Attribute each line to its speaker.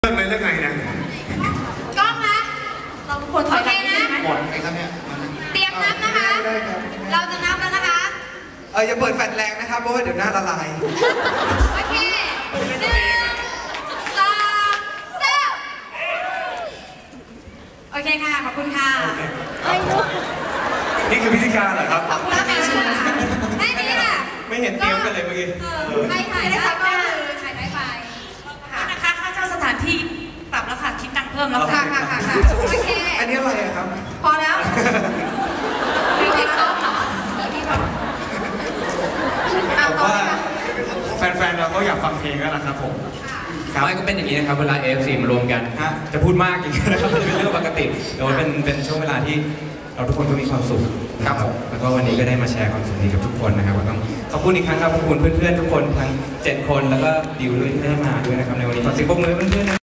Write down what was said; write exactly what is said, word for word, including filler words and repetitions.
Speaker 1: เรื่องอะไรเรื่องไงนะ
Speaker 2: กล้องนะเราทุกคนถอยหลังนะ
Speaker 1: หมดไงครับเนี่ย
Speaker 2: เตรียมนับนะคะ เราจะนับแล้วนะคะ
Speaker 3: เอออย่าเปิดแฟลชแรงนะครับเพราะว่าเดี๋ยวหน้าละลาย
Speaker 2: โอเคหนึ่งสองสามโอเคค่ะขอบคุณค่ะไอ้ลูก
Speaker 1: นี่คือพิธีการเหรอครับ
Speaker 2: ขอบคุณค่ะให้นี่ค่ะ
Speaker 1: ไม่เห็นเตรียมกันเลยเมื่อกี้
Speaker 2: ใครถ่ายได้สักก็คือถ่ายได้ไป
Speaker 4: ค่ะนะคะค่าเช่าสถานที่ปรับแล้วค่ะคิดตังค์เพิ่มแล้ว
Speaker 2: ค่ะค่ะค่ะโอเค
Speaker 3: อันนี้อะไรครับ
Speaker 2: พอแล้วมีเทคโต๊ะเหรอที่แบบ
Speaker 1: ผมว่าแฟนๆเราก็อยากฟังเพลงแล้วนะครับผม
Speaker 5: ไม่ก็เป็นอย่างนี้นะครับเวลา เอ เอฟ ซี มารวมกันจะพูดมากอย่างนี้นะครับมันเป็นเรื่องปกติแต่ว่าเป็นเป็นช่วงเวลาที่เราทุกคนก็มีความสุขครับผมแล้วก็วันนี้ก็ได้มาแชร์ความสุขนี้กับทุกคนนะครับก็ต้องขอบคุณอีกครั้งครับขอบคุณเพื่อนๆทุกคนทั้งเจ็ดคนแล้วก็ดิวด้วยที่ได้มาด้วยนะครับในวันนี้ขอเสียงปรบมือให้เพื่อนๆ